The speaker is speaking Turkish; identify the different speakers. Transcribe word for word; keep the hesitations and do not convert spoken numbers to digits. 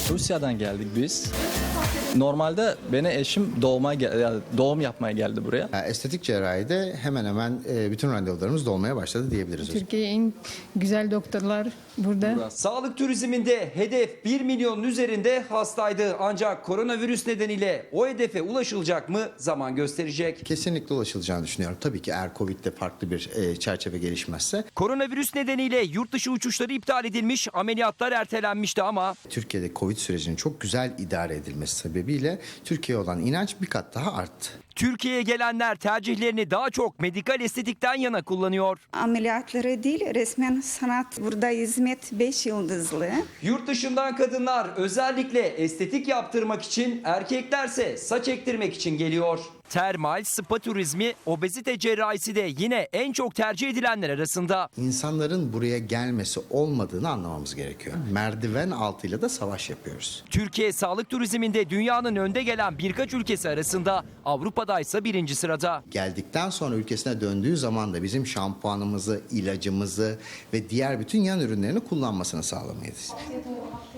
Speaker 1: Rusya'dan geldik biz. Normalde beni eşim doğuma gel- ya doğum yapmaya geldi buraya.
Speaker 2: Yani estetik cerrahide hemen hemen e, bütün randevularımız dolmaya başladı diyebiliriz.
Speaker 3: Türkiye'nin en güzel doktorlar burada.
Speaker 4: Sağlık turizminde hedef bir milyonun üzerinde hastaydı. Ancak koronavirüs nedeniyle o hedefe ulaşılacak mı zaman gösterecek.
Speaker 2: Kesinlikle ulaşılacağını düşünüyorum. Tabii ki eğer Covid'de farklı bir e, çerçeve gelişmezse.
Speaker 4: Koronavirüs nedeniyle yurt dışı uçuşları iptal edilmiş, ameliyatlar ertelenmişti ama
Speaker 2: Türkiye'de Covid sürecinin çok güzel idare edilmesi sebebiyle Türkiye'ye olan inanç bir kat daha arttı.
Speaker 4: Türkiye'ye gelenler tercihlerini daha çok medikal estetikten yana kullanıyor.
Speaker 5: Ameliyatları değil, resmen sanat. Burada hizmet beş yıldızlı.
Speaker 4: Yurt dışından kadınlar özellikle estetik yaptırmak için, erkeklerse saç ektirmek için geliyor. Termal, spa turizmi, obezite cerrahisi de yine en çok tercih edilenler arasında.
Speaker 2: İnsanların buraya gelmesi olmadığını anlamamız gerekiyor. Merdiven altıyla da savaş yapıyoruz.
Speaker 4: Türkiye sağlık turizminde dünyanın önde gelen birkaç ülkesi arasında, Avrupa'da ise birinci sırada.
Speaker 2: Geldikten sonra ülkesine döndüğü zaman da bizim şampuanımızı, ilacımızı ve diğer bütün yan ürünlerini kullanmasını sağlamayız.